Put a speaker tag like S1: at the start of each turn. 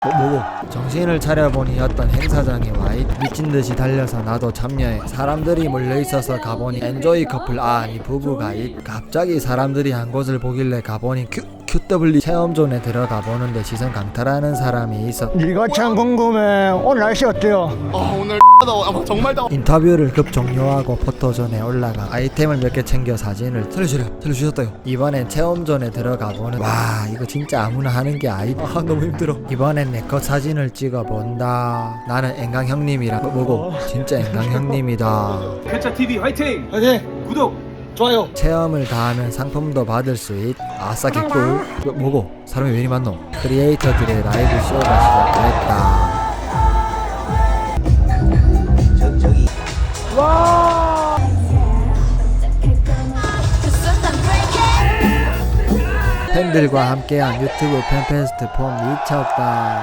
S1: 뭐고? 정신을 차려보니 어떤 행사장에 와있 미친듯이 달려서 나도 참여해. 사람들이 몰려있어서 가보니 엔조이 커플 아니 부부가 있. 갑자기 사람들이 한 곳을 보길래 가보니 QW 체험존에 들어가 보는데 시선 강탈하는 사람이 있어.
S2: 네가 참 궁금해. 오늘 날씨 어때요?
S3: 오늘 더워. 정말 더워.
S1: 인터뷰를 급 종료하고 포토존에 올라가 아이템을 몇 개 챙겨 사진을 살려주셨다요. 이번엔 체험존에 들어가 보는. 와 이거 진짜 아무나 하는 게 아니다. 너무 힘들어. 이번엔 내 컷 사진을 찍어 본다. 나는 앵강 형님이랑 뭐고? 진짜 앵강 형님이다.
S4: 쾌차 TV 화이팅!
S2: 화이팅!
S4: 구독!
S2: 좋아요.
S1: 체험을 다 하면 상품도 받을 수 있. 아싸 개꿀. 뭐고? 사람이 왜 이리 많노? 크리에이터들의 라이브 쇼가 시작됐다. 팬들과 함께한 유튜브 팬페스트 폼 미쳤다.